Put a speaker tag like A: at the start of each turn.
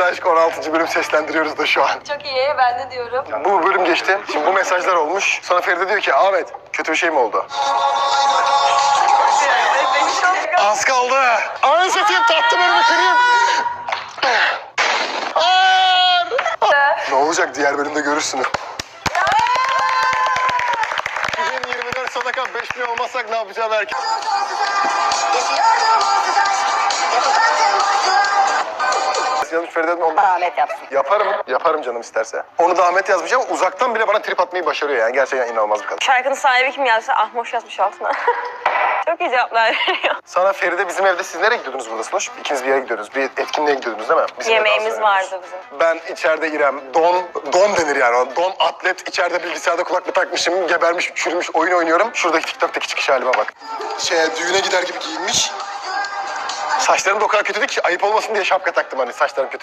A: Gizli Aşk 16. bölüm seslendiriyoruz da şu an.
B: Çok iyi, ben de diyorum.
A: Bu bölüm geçti. Şimdi bu mesajlar olmuş. Sonra Feride diyor ki Ahmet kötü bir şey mi oldu? Az kaldı. Anı satayım tatlı bölümü kırayım. Ne olacak diğer bölümde görürsünüz. 2024 sadaka 5 milyon olmazsak ne yapacağım herkes. Yazmış Feride'den oldu.
C: Ahmet yapsın.
A: Yaparım canım isterse. Onu da Ahmet yazmış ama uzaktan bile bana trip atmayı başarıyor yani. Gerçekten inanılmaz bir kadın.
C: Şarkının sahibi kim yazsa Ahmoş yazmış altına. Çok iyi cevaplar veriyor.
A: Sana Feride bizim evde siz nereye gidiyordunuz burada Sloş? İkiniz bir yere gidiyordunuz. Bir etkinliğe gidiyordunuz değil mi? Bizim
C: Yemeğimiz
A: evde
C: vardı bizim.
A: Ben içeride İrem, don denir yani. O don atlet, içeride bilgisayarda kulaklık takmışım, gebermiş, çürümüş, oyun oynuyorum. Şuradaki TikTok'taki çıkış halime bak. Düğüne gider gibi giyinmiş. Saçlarım da o kadar kötüydü ki ayıp olmasın diye şapka taktım hani saçlarım kötü.